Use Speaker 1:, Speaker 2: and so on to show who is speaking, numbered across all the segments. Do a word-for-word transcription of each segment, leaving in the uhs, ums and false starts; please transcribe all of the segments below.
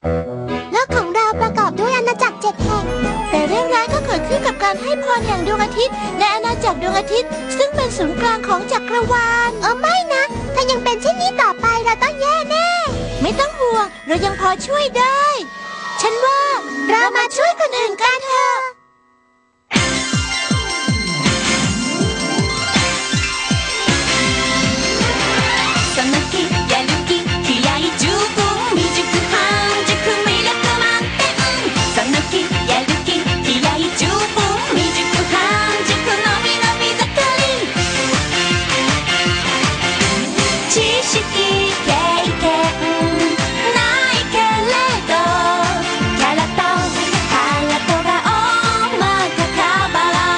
Speaker 1: โลกของเราประกอบด้วยอาณาจักรเจ็ดแห่งแต่เรื่องร้ายก็เกิดขึ้นกับการให้พรอย่างดวงอาทิตย์ในอาณาจักรดวงอาทิตย์ซึ่งเป็นศูนย์กลางของจักรวาลเออไม่นะถ้ายังเป็นเช่นนี้ต่อไปเราต้องแย่แน่ไม่ต้องห่วงเรายังพอช่วยได้ฉันว่าเรามาช่วยคนอื่นกันเถอะ
Speaker 2: その日やる気気合十分未熟半熟魅力満点その日やる気気合十分未熟半熟のびのび盛り知識経験ないけれどキャラとハートが大まかカバ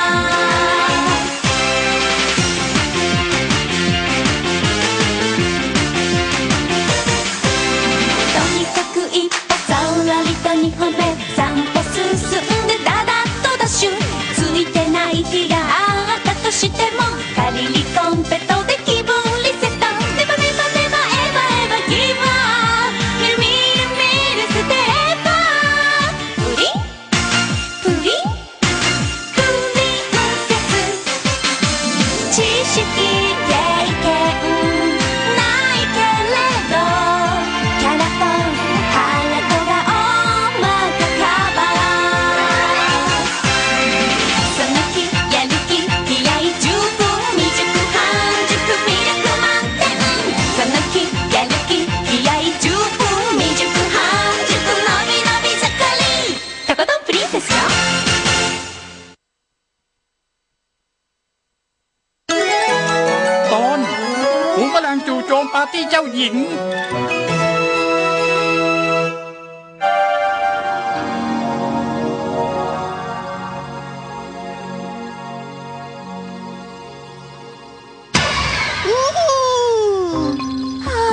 Speaker 2: ーとにかく一歩さらりと二歩目三歩進んでダダッとダッシュついてない日があったとしても仮にコンペトで気分リセットネバネバネバエバエバギブアップみるみるみるステップアッププリンプリンプリンセス知識経験ないけれどキャラとハートが大まかカバーその日やる気気合十分未熟半熟魅力満点その日やる気気合十分未熟半熟のびのび盛りとことんプリンセスよ
Speaker 3: ตอนฝูงแมลงจู่โจมปาร์ตี้เจ้าหญิง
Speaker 1: อู้หูฮะ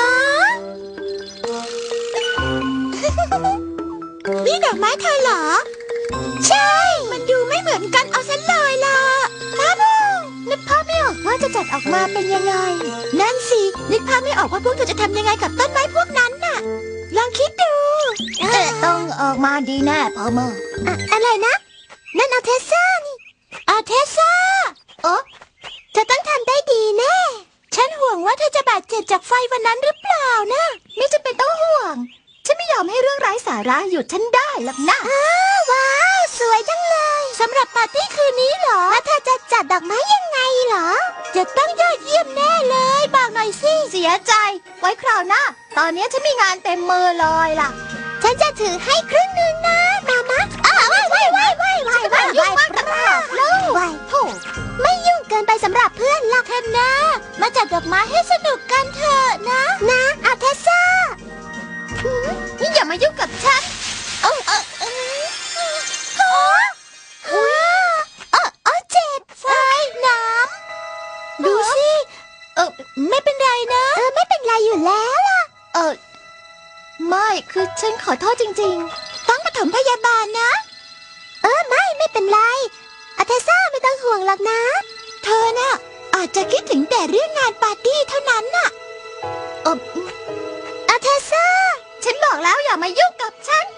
Speaker 1: นี่ดอกไม้เธอเหรอ ใช่ มันดูไม่เหมือนกันเอาซะเลยล่ะมาบูนึกภาพไม่ออกว่าจะจัดออกมาเป็นยังไง นั่นสิ นึกภาพไม่ออกว่าพวกเธอจะทำยังไงกับต้นไม้พวกนั้นน่ะ ลองคิดดูต้องออกมาดีแน่พอเมออะอะไรนะ นั่นอาเทซ่านี่อาเทซ่าโอ้เธอต้องทำได้ดีแน่ ฉันห่วงว่าเธอจะบาดเจ็บจากไฟวันนั้นหรือเปล่านะไม่จำเป็นต้องห่วง ฉันไม่ยอมให้เรื่องไร้สาระหยุดฉันได้หรอกนะว้าว สวยจังเลยสำหรับปาร์ตี้คืนนี้เหรอแล้วเธอจะจัดดอกไม้ยังไงเหรอ จะต้องยอดเยี่ยมแน่เลยบอกหน่อยสิเสียใจ ไว้คราวหน้าตอนนี้ฉันมีงานเต็มมือเลยล่ะ ฉันจะถือให้ครึ่งหนึ่งนะมามะอ้าวว้ายว้ายว้ายว้ายว้ายว้ายว้ายว้ายโถไม่ยุ่งเกินไปสำหรับเพื่อนหรอกเธอนะมาจัดดอกไม้ให้สนุกกันเถอะนะนะอาเทซ่านี่อย่ามายุ่งกับฉันเออเออเออโอ้โอ้เออเออเจ็บไฟน้ำดูสิเออไม่เป็นไรนะเออไม่เป็นไรอยู่แล้วล่ะเออไม่คือฉันขอโทษจริงๆต้องปฐมพยาบาลนะเออไม่ไม่เป็นไรอาเทซ่าไม่ต้องห่วงหรอกนะเธอน่ะอาจจะคิดถึงแต่เรื่องงานปาร์ตี้เท่านั้นน่ะเอออาเทซ่าฉันบอกแล้วอย่ามายุ่งกับฉัน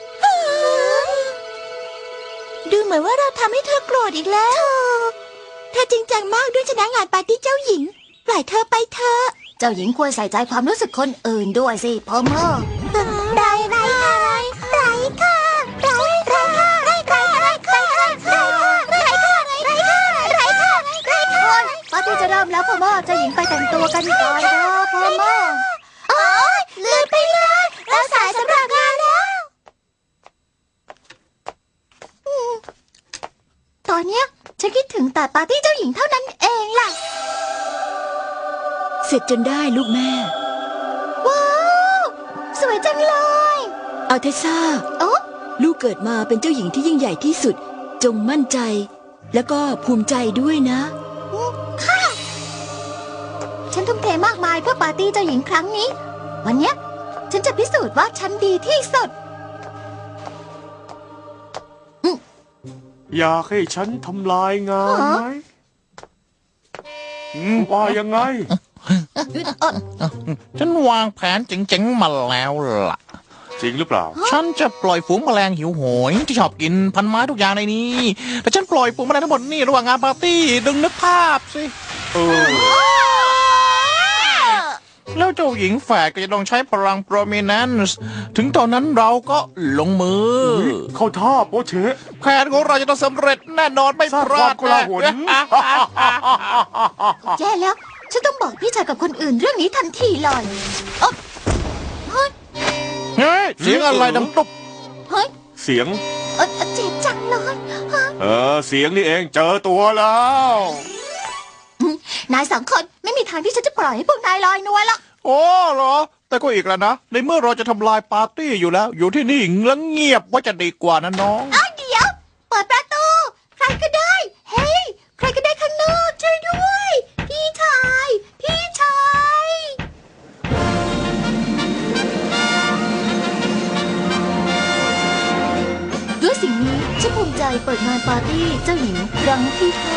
Speaker 1: ดูเหมือนว่าเราทำให้เธอโกรธอีกแล้วเธอจริงจังมากด้วยชนะงานปาร์ตี้เจ้าหญิงปล่อยเธอไปเถอะเจ้าหญิงควรใส่ใจความรู้สึกคนอื่นด้วยสิพอเมอไรไรค่ะไรค่ะไรไรค่ะไรค่ะไรค่ะไรค่ะไรค่ะไรค่ะไรค่ะไรค่ะปาร์ตี้จะเริ่มแล้วพอเมอเจ้าหญิงไปแต่งตัวกันก่อนเถอะพอเมอโอ๊ยลืมไปเลยเราสายสำหรับงานแล้วตอนเนี้ยฉันคิดถึงแต่ปาร์ตี้เจ้าหญิงเท่านั้นเองล่ะ
Speaker 4: เสร็จจนได้ลูกแม่
Speaker 1: ว้าวสวยจังเลย
Speaker 4: เอาเทซ่า
Speaker 1: โอ้
Speaker 4: ลูกเกิดมาเป็นเจ้าหญิงที่ยิ่งใหญ่ที่สุดจงมั่นใจแล้วก็ภูมิใจด้วยนะ
Speaker 1: ค่ะฉันทุ่มเทมากมายเพื่อปาร์ตี้เจ้าหญิงครั้งนี้วันเนี้ยฉันจะพิสูจน์ว่าฉันดีที่สุด
Speaker 5: อยากให้ฉันทำลายงานไหมว่ายังไง
Speaker 6: ฉันวางแผนเจ๋งๆมาแล้วล่ะ
Speaker 5: จริงหรือเปล่า
Speaker 3: ฉันจะปล่อยฝูงแมลงหิวโหยที่ชอบกินพันไม้ทุกอย่างในนี้ แต่ฉันปล่อยฝูงแมลงทั้งหมดนี่ระหว่างงานปาร์ตี้ดึงนึกภาพสิ
Speaker 5: เออ
Speaker 3: แล้วเจ้าหญิงแฝดก็จะต้องใช้พลัง prominence ถึงตอนนั้นเราก็ลงมือ
Speaker 5: เข้าท่าโปเชะ
Speaker 3: แผนของเราจะต้องสำเร็จแน่นอนไม่
Speaker 5: สร้าง
Speaker 3: พ
Speaker 5: ควา
Speaker 3: ลาม ด
Speaker 5: โกลาหล
Speaker 1: แย่แล้ว ฉันต้องบอกพี่ชายกับคนอื่นเรื่องนี้ทันทีเลยเอ้อเฮ้ย
Speaker 3: เฮ้ยเสียงอะไรดังตุ๊บ
Speaker 1: เฮ้ย
Speaker 5: เสียง
Speaker 1: เอ้อเจ็บจังเลยฮะ
Speaker 5: เออ เสียงนี่เองเจอตัวแล้ว
Speaker 1: นายสองคนไม่มีทางที่ฉันจะปล่อยให้พวกนายลอยนวลหรอก
Speaker 3: โอ้เหรอ แต่ก็อีกแล้วนะ ในเมื่อเราจะทำลายปาร์ตี้อยู่แล้ว อยู่ที่นี่แล้วเงียบว่าจะดีกว่านะน้อง
Speaker 1: อ้าวเดี๋ยว เปิดประตู ใครก็ได้ เฮ้ย ใครก็ได้ข้างนอกช่วยด้วย พี่ชาย พี่ชาย ด้วยสิ่งนี้ฉันภูมิใจเปิดงานปาร์ตี้เจ้าหญิงครั้งที่ห้า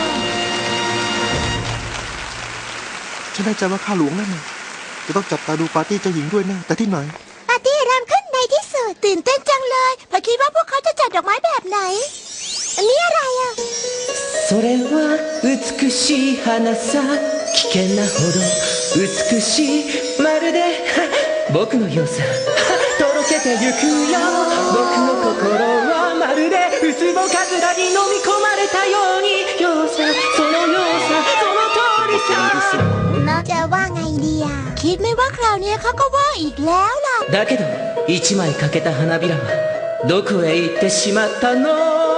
Speaker 6: ฉันแน่ใจว่าข้าหลวงนั่นน่ะจะต้องจับตาดูปาร์ตี้เจ้าหญิงด้วยแน่แต่ที่ไหน
Speaker 1: ปาร์ตี้เริ่มขึ้นในที่สุดตื่นเต้นจังเลยพอคิดว่าพวกเขาจะจัดดอกไม้แบบไหน อันนี้อะไรอ่ะ
Speaker 7: それは美しい花さ危険なほど美しいまるで僕のようさとろけてゆくよ僕の心はまるでウツボカズラに飲み込まれたようにようさそのようさその通りさ
Speaker 1: จะว่าไงดีอ่ะคิดไม่ว่าคราวนี้เขาก็ว่าอีกแล้วล่ะ
Speaker 7: だけど一枚欠けた花びらはどこへ行ってしまったの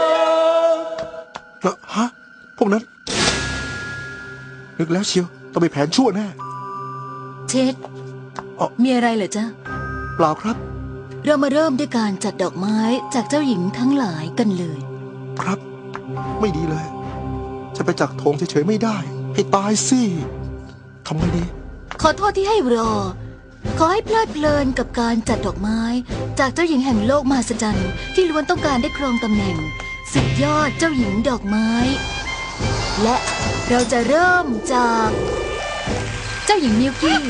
Speaker 6: แล้วฮะ พวกนั้น นึกแล้วเชียว ต้องมีแผนชั่วแน่
Speaker 4: เช็ด
Speaker 6: อ๋อ
Speaker 4: มีอะไรเหรอจ๊ะ
Speaker 6: เปล่าครับ
Speaker 4: เรามาเริ่มด้วยการจัดดอกไม้จากเจ้าหญิงทั้งหลายกันเลย
Speaker 6: ครับ ไม่ดีเลย จะไปจักโถงเฉยๆไม่ได้ ให้ตายสิทำไงดี
Speaker 4: ขอโทษที่ให้รอ ขอให้เพลิดเพลินกับการจัดดอกไม้ จากเจ้าหญิงแห่งโลกมหัศจรรย์ที่ล้วนต้องการได้ครองตำแหน่งสุดยอดเจ้าหญิงดอกไม้ และเราจะเริ่มจาก เจ้าหญิงมิวกี้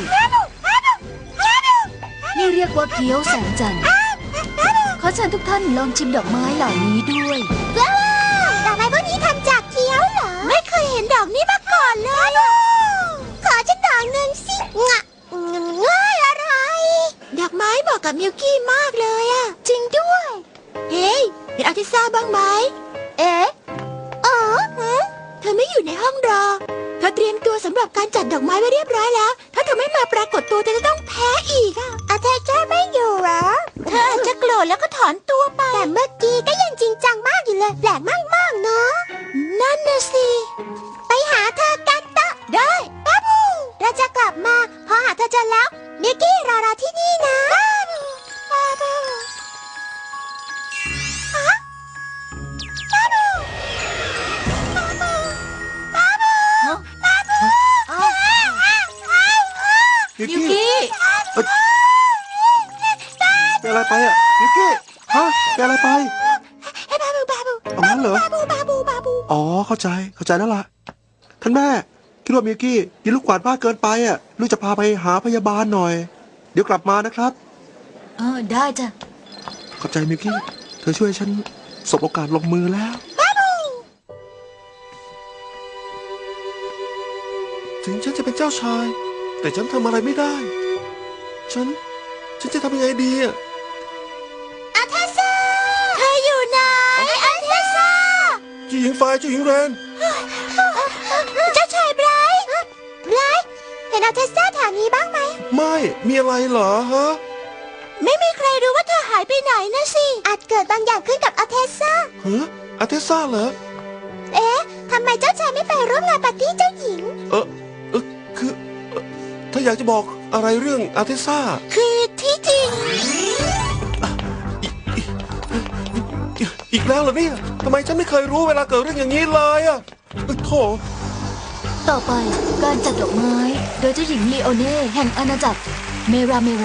Speaker 4: นี่เรียกว่าเกี๊ยวแสงจันทร์ขอเชิญทุกท่านลองชิมดอกไม้เหล่านี้ด้วย
Speaker 1: ว้าวดอกไม้พวกนี้ทำจากเกี๊ยวเหรอ ไม่เคยเห็นดอกนี้มาก่อนเลยอะขอฉันดอกหนึ่งสิงะง่ายอะไร ดอกไม้เหมาะกับมิวกี้มากเลยอะจริงด้วย เฮ้ยเห็นอาทิตย์ซ่าบ้างไหม เอ๊ะอ๋อหือเธอไม่อยู่ในห้องรอ เธอเตรียมตัวสำหรับการจัดดอกไม้ไว้เรียบร้อยแล้ว ถ้าเธอไม่มาปรากฏตัวเธอจะต้องแพ้อีกอะอาเธอจะไม่อยู่เหรอ เธออาจจะโกรธแล้วก็ถอนตัวไป แต่เมื่อกี้ก็ยังจริงจังมากอยู่เลย แปลกมากๆเนาะ นั่นน่ะสิ ไปหาเธอกันเถอะได้บ้าบูเราจะกลับมา พอหาเธอเจอแล้วมิกกี้รอเราที่นี่นะบ้าบูบ้าบูฮะบ้าบูบ้าบูบ้าบูบ้าบู
Speaker 6: มิว
Speaker 4: มิว
Speaker 6: กี้
Speaker 4: กี้
Speaker 6: เอ้ยเป็นอะไรไปอ่ะมิวกี้ ฮะเป็นอะไรไป
Speaker 1: ให้บ้าบูบ้าบู
Speaker 6: เอางั้นเหรอ
Speaker 1: บ้าบูบ้าบูบ้าบู
Speaker 6: อ๋อ เข้าใจ เข้าใจแล้วล่ะ ท่านแม่ คิดว่ามิวกี้ยิงลูกกวาดมากเกินไปอ่ะ ลูกจะพาไปหาพยาบาลหน่อย เดี๋ยวกลับมานะครับ
Speaker 4: เออได้จ้ะ
Speaker 6: ขอบใจมิวกี้ เธอช่วยฉันสบโอกาสลงมือแล้ว ถึงฉันจะเป็นเจ้าชาย แต่ฉันทำอะไรไม่ได้ ฉัน ฉันจะทำยังไงดีอ่ะ
Speaker 1: อาเทซ่าเธออยู่ไหนอาเทซ่า
Speaker 6: เจ้าหญิงไฟเจ้าหญิงแรน
Speaker 1: เจ้าชายไบรท์ไบรท์เห็นอาเทซ่าแถวนี้บ้างไหม
Speaker 6: ไม่ มีอะไรเหรอฮะ
Speaker 1: ไม่มีใครรู้ว่าเธอหายไปไหนนะสิ อาจเกิดบางอย่างขึ้นกับอาเทซ่า
Speaker 6: ฮะอาเทซ่าเหรอ
Speaker 1: เอ๊ะทำไมเจ้าชายไม่ไปร่วมงานปาร์ตี้เจ้าหญิง
Speaker 6: เออเออคือเอ่อถ้าอยากจะบอกอะไรเรื่องอาเทซ่า
Speaker 1: คือที่จริง
Speaker 6: อีกแล้วเหรอเนี่ยทำไมฉันไม่เคยรู้เวลาเกิดเรื่องอย่างนี้เลยอ่ะเอ้ยโถ
Speaker 4: ต่อไปการจัดดอกไม้ โดยเจ้าหญิงลีโอเน่แห่งอาณาจักรเมราเมรา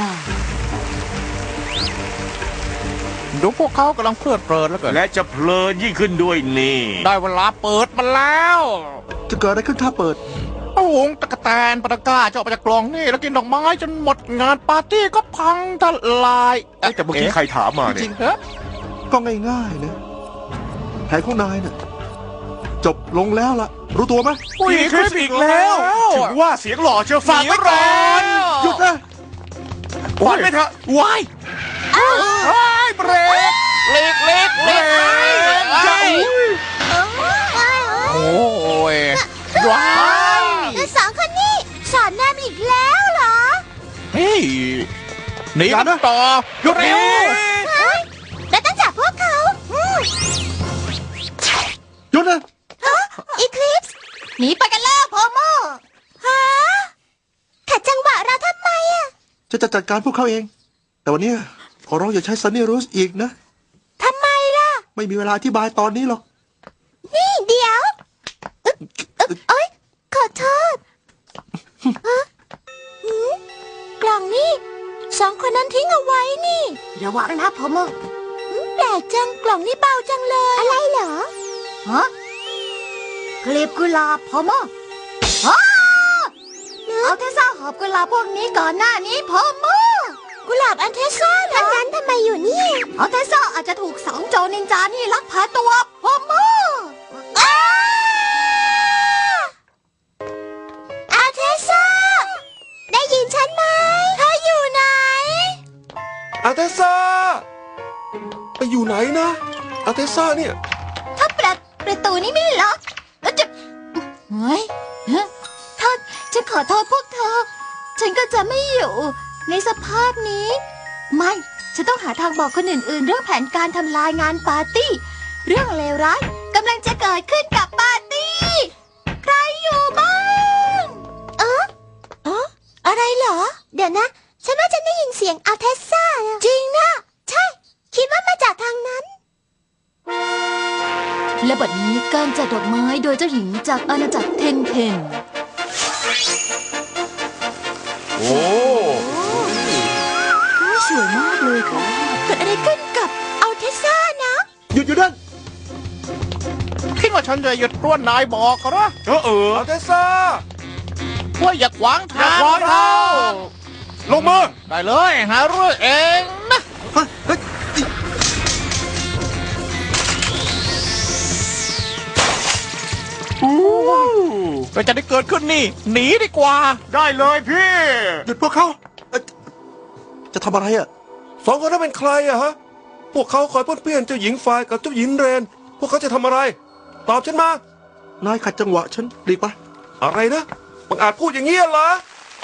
Speaker 3: ดูพวกเขากำลังเพลิดเพลินแล้วเกิน
Speaker 5: และจะเพลินยิ่งขึ้นด้วยนี่
Speaker 3: ได้เวลาเปิดมาแล้ว
Speaker 6: จะเกิดอะไรขึ้นถ้าเปิด
Speaker 3: โอ้โหตะกะแตนปะตะกร้าจะออกมาจากกล่องนี่แล้วกินดอกไม้จนหมดงานปาร์ตี้ก็พังทลาย
Speaker 5: เอ้ยแต่เมื่อกี้ใครถามมา
Speaker 3: จ
Speaker 5: เนี่
Speaker 3: ริ
Speaker 5: ย
Speaker 3: งๆเหรอ
Speaker 6: ก็ง่ายๆนะแผนของนายน่ะจบลงแล้วล่ะ รู้ตัวไหม
Speaker 3: อุ้ยคลิปอีกแล้ว
Speaker 5: ถึงว่าเสียงหล่อเชียวฟังไว้ก่อน
Speaker 6: หยุดนะ
Speaker 5: ฟังไปเถอะ
Speaker 3: วาย
Speaker 5: เฮ้ยเบรก
Speaker 3: เล็กเล็ก
Speaker 5: เบร
Speaker 3: เล็ก
Speaker 5: กจะอุ้ย
Speaker 3: โอ้ยว้าว
Speaker 1: แล้วสองคนนี้สอนแนมอีกแล้วเหรอ
Speaker 3: เฮ้ยหนีกันต่อ
Speaker 5: หยุด
Speaker 3: เร็
Speaker 5: เร็
Speaker 3: ว
Speaker 5: ว
Speaker 1: เฮ้ยแล้วต้องจับพวกเขาอืม
Speaker 6: หยุดนะ
Speaker 1: อีคลิปส์หนีไปกันแล้วพอโมฮะขัดจังหวะเราทำไมอะ
Speaker 6: จะจะจัดการพวกเขาเอง แต่วันเนี้ยขอร้องอย่าใช้ซันนี่รูสอีกนะ
Speaker 1: ทำไมล่ะ
Speaker 6: ไม่มีเวลาอธิบายตอนนี้หรอก
Speaker 1: นี่เดี๋ยวอึ๊บอึ๊บเอ้ยขอโทษฮะหืมกล่องนี่สองคนนั้นทิ้งเอาไว้นี่ระวังนะพอโมแปลกจังกล่องนี่เบาจังเลย อะไรเหรอฮะกลีบกุหลาบพอโมอ้าเอาเทซ่าหอบกุหลาบพวกนี้ก่อนหน้านี้พอโมกุหลาบอันเทซ่าเหรออันนั้นทำไมอยู่นี่เอาเทซ่าอาจจะถูกสองโจรนินจานี่ลักพาตัวพอโมอ้าอาเทซ่าได้ยินฉันไหมเธออยู่ไหน
Speaker 8: อาเทซ่าไปอยู่ไหนนะอาเทซ่าเนี่ย
Speaker 1: ถ้าประประตูนี้ไม่ล็อกแล้วจะเฮ้ยฮะถ้าฉันขอโทษพวกเธอ ฉันก็จะไม่อยู่ในสภาพนี้ ไม่ ฉันต้องหาทางบอกคนอื่นๆ เรื่องแผนการทำลายงานปาร์ตี้ เรื่องเลวร้ายกำลังจะเกิดขึ้นกับปาร์ตี้ ใครอยู่บ้างเออเอออะไรเหรอ เดี๋ยวนะ ฉันว่าฉันได้ยินเสียงอัลเทสซ่าจริงนะ ใช่ คิดว่ามาจากทางนั้น
Speaker 4: และบัดนี้การจัดดอกไม้โดยเจ้าหญิงจากอาณาจักรเทนเทน
Speaker 8: โอ้
Speaker 4: สวยมากเลยค่ะ
Speaker 1: เกิดอะไรขึ้นกับอัลเทสซ่านะ
Speaker 6: หยุดอยู่นั่น
Speaker 3: คิดว่าฉันจะหยุดกล้วนนายบอกเหรอ
Speaker 5: เออเออ
Speaker 8: อาเทซ่า
Speaker 3: ว่าอย่าขวาง
Speaker 5: อย่า
Speaker 3: ทาง
Speaker 5: ขวางทางลงมือ
Speaker 3: ได้เลยหาเรื่องเองนะ
Speaker 6: เฮ้ยเฮ้ย
Speaker 3: เราจะได้เกิดขึ้นนี่ หนีดีกว่า
Speaker 5: ได้เลยพี่
Speaker 6: หยุดพวกเขาเอ้ยจะทำอะไรอ่ะ
Speaker 8: สองคนนั้นเป็นใครอะฮะ พวกเขาคอยป้วนเปี้ยนเจ้าหญิงฝ่ายกับเจ้าหญิงเรน พวกเขาจะทำอะไร ตอบฉันมา
Speaker 6: นายขัดจังหวะฉันหลีกไป
Speaker 8: อะไรนะบังอาจพูดอย่างนี้เหรอ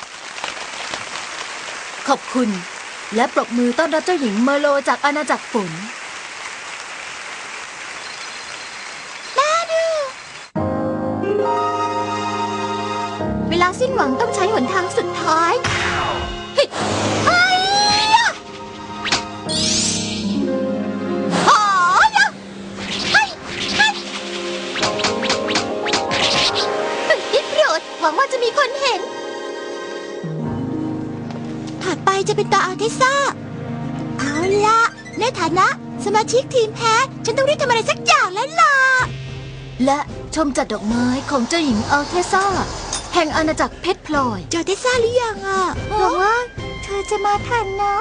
Speaker 4: ขอบคุณ และปรบมือต้อนรับเจ้าหญิงเมอร์โลจากอาณาจักรฝน
Speaker 1: เวลาสิ้นหวังต้องใช้หนทางสุดท้ายเฮ้ยเฮ้ยยะโอ้ยะเฮ้ยเฮ้ยเฮ้ยได้โปรดหวังว่าจะมีคนเห็น ถัดไปจะเป็นตาอัลเทซ่า เอาละในฐานะสมาชิกทีมแพ้ ฉันต้องรีบทำอะไรสักอย่างแล้วล่ะ
Speaker 4: และชมจัดดอกไม้ของเจ้าหญิงอัลเทซ่า แห่งอาณาจักรเพชรพลอย
Speaker 1: เจอเทซ่าหรือยังอ่ะหวังว่าเธอจะมาทันนะ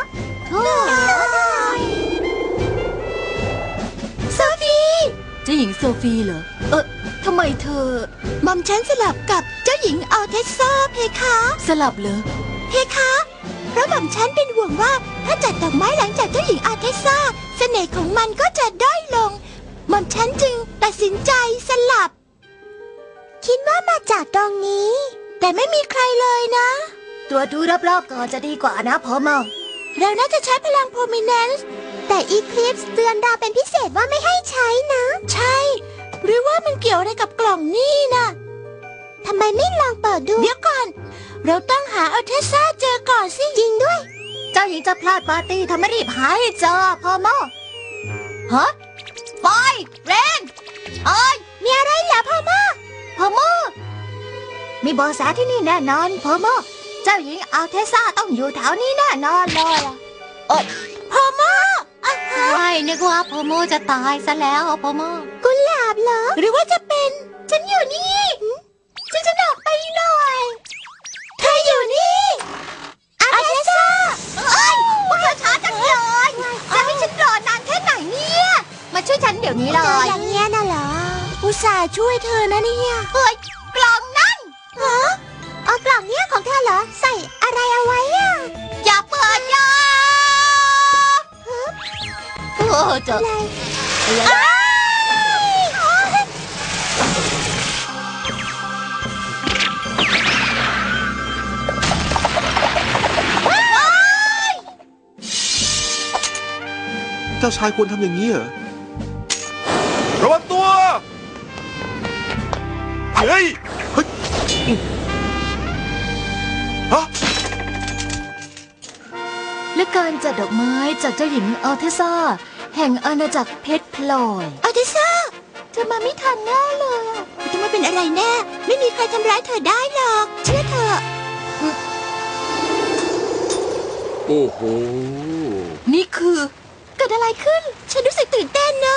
Speaker 1: โซฟี
Speaker 4: เจ้าหญิงโซฟีเหรอ เออทำไมเธอ
Speaker 1: หม่อมฉันสลับกับเจ้าหญิงอัลเทซ่าเพคะ
Speaker 4: สลับเหรอ
Speaker 1: เพคะ เพราะหม่อมฉันเป็นห่วงว่าถ้าจัดดอกไม้หลังจากเจ้าหญิงอัลเทซ่าเสน่ห์ของมันก็จะด้อยลง หม่อมฉันจึงตัดสินใจสลับ คิดว่ามาจากตรงนี้ แต่ไม่มีใครเลยนะ
Speaker 4: ตรวจดูรอบๆก่อนจะดีกว่านะพอมอ
Speaker 1: เราน่าจะใช้พลังโพมิเนนซ์แต่อีคลิปส์เตือนเราเป็นพิเศษว่าไม่ให้ใช้นะ ใช่ หรือว่ามันเกี่ยวอะไรกับกล่องนี่นะทำไมไม่ลองเปิดดู เดี๋ยวก่อน เราต้องหาอัลเทซ่าเจอก่อนสิจริงด้วย
Speaker 4: เจ้าหญิงจะพลาดปาร์ตี้ทำไมรีบหาให้เจอพอมอฮะไฟเรนเอ้ย
Speaker 1: มีอะไรเหรอพ่อม่า
Speaker 4: พอมอมีเบอแสที่นี่แน่นอนพอมอเจ้าหญิงอัลเทซ่าต้องอยู่แถวนี้แน่นอนเลยอะเอ้ย
Speaker 1: พ่อม่าอ่ะฮะ
Speaker 4: ใช่นึกว่าพอมอจะตายซะแล้วพอมอ
Speaker 1: กุหลาบเหรอ หรือว่าจะเป็น ฉันอยู่นี่ช่วยฉันออกไปหน่อยเธออยู่นี่อาเทซ่าเอ้ยพวกเธอช้าจังเลยจะให้ฉันรอนานแค่ไหนเนี่ยมาช่วยฉันเดี๋ยวนี้เลยเจออย่างเงี้ยน่ะเหรออุตส่าห์ช่วยเธอนะเนี่ยเฮ้ยกล่องนั่นเหรอเอากล่องเนี้ยของเธอเหรอใส่อะไรเอาไว้อะอย่าเปิดอย่า
Speaker 4: โอ้เจอ
Speaker 1: อ้าย
Speaker 6: เจ้าชายควรทำอย่างนี้เหรอ
Speaker 8: ระวังตัว เฮ้ย
Speaker 6: เฮ้ย
Speaker 8: ฮะ
Speaker 4: และการจัดดอกไม้จากเจ้าหญิงอัลเทซ่าแห่งอาณาจักรเพชรพลอย
Speaker 1: อาทิซ่าเธอมาไม่ทันแน่เลยอะเธอไม่เป็นอะไรแน่ ไม่มีใครทำร้ายเธอได้หรอก เชื่อเถอะ
Speaker 5: โอ้โห
Speaker 4: นี่คือ
Speaker 1: เกิดอะไรขึ้น ฉันรู้สึกตื่นเต้นเนอะ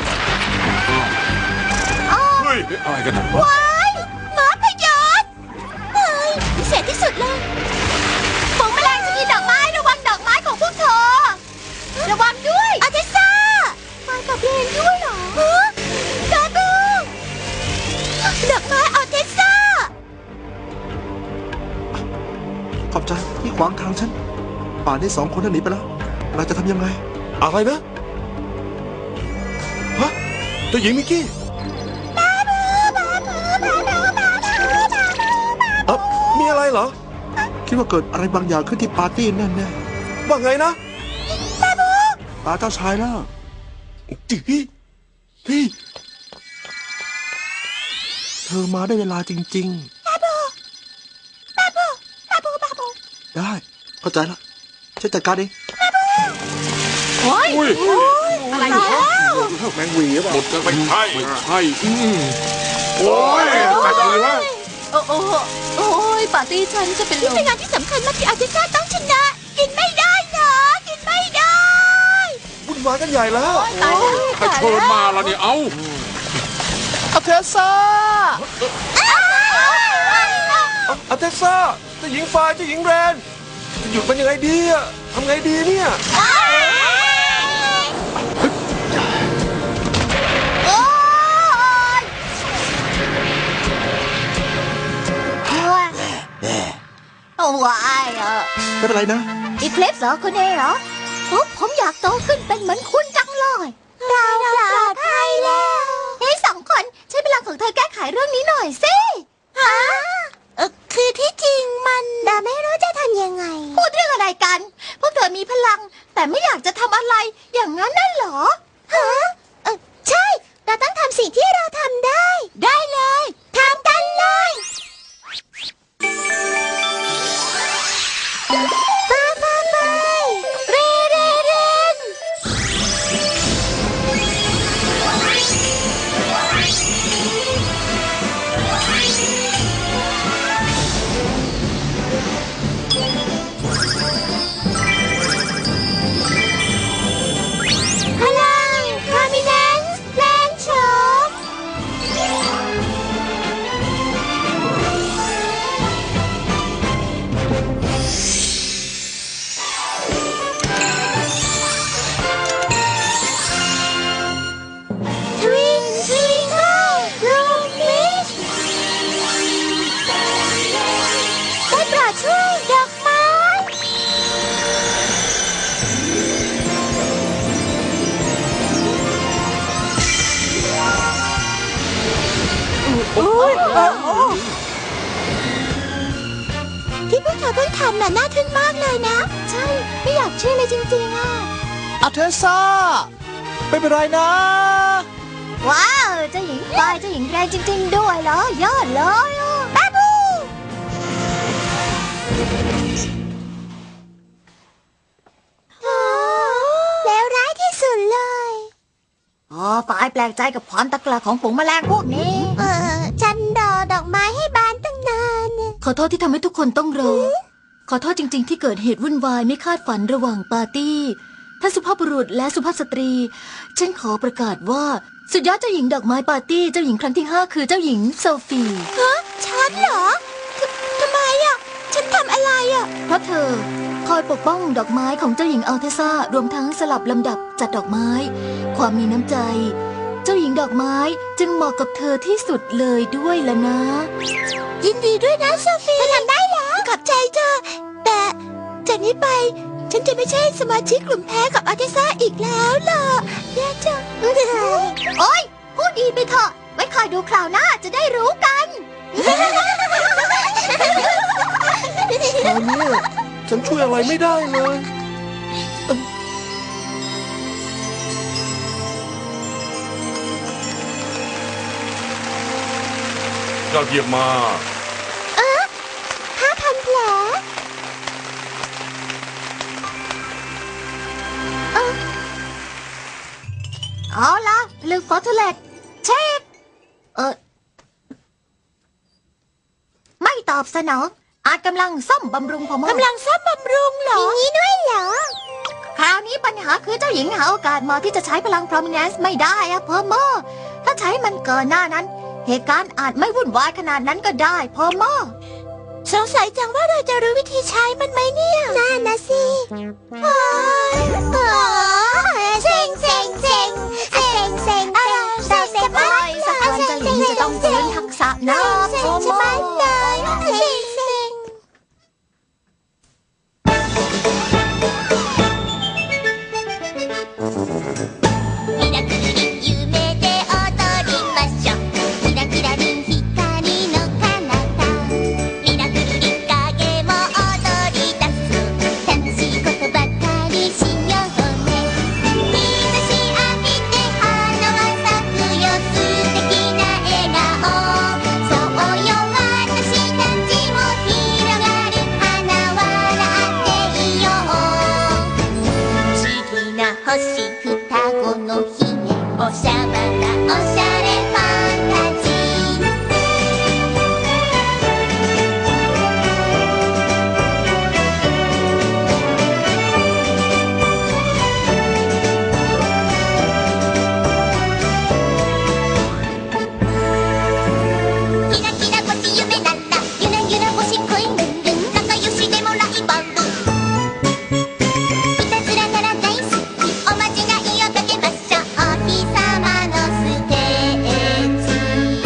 Speaker 5: เฮ้ยอะไรกันนะ
Speaker 1: ว้ายหมาพยศเฮ้ยพิเศษที่สุดเลยฝูงแมลงจะกินดอกไม้ระวังดอกไม้ของพวกเธอ ระวังด้วยอาทิซ่ามากับเรนด้วยเหรอฮะกาบูดอกไม้อาทิซ่า
Speaker 6: ขอบใจที่ขวางทางฉัน ป่านนี้สองคนนั้นหนีไปแล้ว เราจะทำยังไง
Speaker 8: อะไรนะ ฮะ เจ้าหญิงมิกกี้เอ้ามีอะไรเหรอ
Speaker 6: คิดว่าเกิดอะไรบางอย่างขึ้นที่ปาร์ตี้แน่
Speaker 8: ว่าไงนะ
Speaker 6: ๆตาเจ้าชายแล้ว
Speaker 8: จื้อเฮ้ย
Speaker 6: เธอมาได้เวลาจริงๆ ได้ เข้าใจแล้วฉันจัดการเอง
Speaker 5: อุ้ย
Speaker 4: อะไรเนี่ย
Speaker 5: แมงวีหรือเปล่าหมดกันไม่ใช่ไม่ใช่อืมโอ้ยตัดเลยวะ
Speaker 4: โอ้โอ้โอ้ยปาร์ตี้ฉันจะเป็นล
Speaker 1: นี่
Speaker 4: ม
Speaker 1: เป็นงานที่สำคัญมากที่อาทิซ่าต้องชนะ กินไม่ได้เหรอกินไม่ได้
Speaker 8: วุ่นวายกันใหญ่แล้ว
Speaker 4: ตายแล้ว
Speaker 5: ใครเชิญมาแล้วเนี่ย เอ้า
Speaker 3: อาเทซ่า
Speaker 8: อาเทซ่าเจ้าหญิงฟ้าเจ้าหญิงแรนจะหยุดมันยังไงดีอะทำไงดีเนี่ย
Speaker 1: โอ๊ยโอ้ยเออ
Speaker 6: ไม่เป็นไรนะ
Speaker 1: อีเคลปเหรอคุณเอเหรอโอ้ผมอยากโตขึ้นเป็นเหมือนคุณจังเลย เราปลอดภัยแล้วเฮ้ยสองคนใช้พลังของเธอแก้ไขเรื่องนี้หน่อยสิฮะเออคือที่จริงมันเราไม่รู้จะทำยังไง พูดเรื่องอะไรกัน พวกเธอมีพลัง แต่ไม่อยากจะทำอะไร อย่างนั้นน่ะเหรอฮะเออใช่ เราต้องทำสิ่งที่เราทำได้ ได้เลยทำกันเลยไปไปไปเรเรเรนพลังคามิเนนส์แรงโฉม Twinkle Twinkle Little Star ได้โปรดช่วยดอกไม้ ที่พวกเธอเพิ่งทำน่ะน่าทึ่งมากเลยนะ ใช่ ไม่อยากเชื่อเลยจริงๆอ่ะ
Speaker 3: อาเทซ่า ไม่เป็นไรนะ
Speaker 1: ว้าวเจ้าหญิงปลายเจ้าหญิงแรงจริง ๆ ด้วยเหรอยอดเลยอ่ะบ้าบูแล้วร้ายที่สุดเลยอ๋อปลายแปลกใจกับความตะกละของฝูงแมลงพวกนี้ เออฉันรอดอกไม้ให้บานตั้งนาน
Speaker 4: ขอโทษที่ทำให้ทุกคนต้องรอ ขอโทษจริง ๆ ที่เกิดเหตุวุ่นวายไม่คาดฝันระหว่างปาร์ตี้ท่านสุภาพบุรุษและสุภาพสตรี ฉันขอประกาศว่าสุดยอดเจ้าหญิงดอกไม้ปาร์ตี้เจ้าหญิงครั้งที่ห้าคือเจ้าหญิงโซฟี
Speaker 1: ฮะฉันเหรอททำไมอ่ะ ฉันทำอะไรอ่ะ
Speaker 4: เพราะเธอคอยปกป้องดอกไม้ของเจ้าหญิงอัลเทซ่ารวมทั้งสลับลำดับจัดดอกไม้ ความมีน้ำใจ เจ้าหญิงดอกไม้จึงเหมาะกับเธอที่สุดเลยด้วยล่ะนะ
Speaker 1: ยินดีด้วยนะโซฟีเธอทำได้แล้วขอบใจเธอ แต่จากนี้ไป ฉันจะไม่ใช่สมาชิกกลุ่มแพ้กับอาร์เทซ่าอีกแล้วล่ะแย่จัง
Speaker 4: โอ๊ยพูดดีไปเถอะไว้คอยดูคราวหน้าจะได้รู้กัน
Speaker 8: คราวนี้ฉันช่วยอะไรไม่ได้เลยยอดเยี่ยมมาก
Speaker 1: ห้าพันแผล
Speaker 4: เอาล่ะลืมฟอสทูเลตเช็คเออไม่ตอบสนองอาจกำลังซ่อมบำรุงพม
Speaker 1: กำลังซ่อมบำรุงเหรออย่างนี้ด้วยเหรอ
Speaker 4: คราวนี้ปัญหาคือเจ้าหญิงหาโอกาสเหมาะที่จะใช้พลังพรอมิเนนซ์ไม่ได้อะพอมอถ้าใช้มันเกินหน้านั้น เหตุการณ์อาจไม่วุ่นวายขนาดนั้นก็ได้พอมอ
Speaker 1: สงสัยจังว่าเราจะรู้วิธีใช้มันไหมเนี่ยน่านะสิเซ็งเซ็งเซ็งเซ็งเซ็งอะไรเซ็งเซ็ง
Speaker 4: ไม่สักวันเจ้าหญิงจะต้องเรียนทักษะนะพอมอ
Speaker 1: เซ็งเซ็ง
Speaker 2: ミラクルに夢で踊りましょうキラキラリン光の彼方ミラクルに影も踊り出す楽しいことばかりしようね日差し浴びて花は咲くよ素敵な笑顔そうよ私たちも広がる花笑っていよう不思議な星双子のひげおしゃばなおしゃれファンタジーキラキラ星夢ならゆらゆら星恋ルンルン仲良しでもライバルいたずらなら大好きおまじないをかけましょうお日様のステージ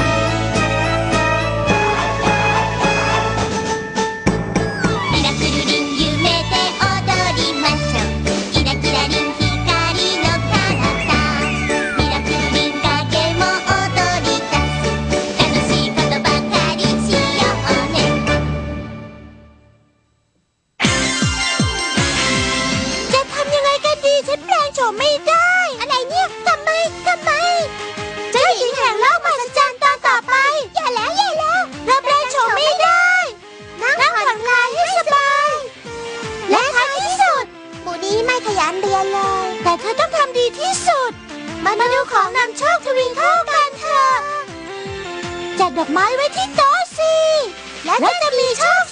Speaker 2: ミラクルリン夢で踊りましょうキラキラリン光の彼方ミラクルリン影も踊り出す楽しいことばかりしようね
Speaker 1: จะทำยังไงกันดีฉันแปลงโฉมไม่ได้ อะไรเนี่ยทำไมทำไม เจ้าหญิงแห่งโลกมหัศจรรย์ตอนต่อไป อย่าแล้วอย่าแล้วเราแปลงโฉมไม่ได้ นั่งผ่อนคลายให้สบาย และท้ายที่สุดหมูนี้ไม่ขยันเรียนเลย แต่เธอต้องทำดีที่สุด มาดูของนำโชคทวินเข้ากันเถอะจัดดอกไม้ไว้ที่โต๊ะสิ และจะมีโชค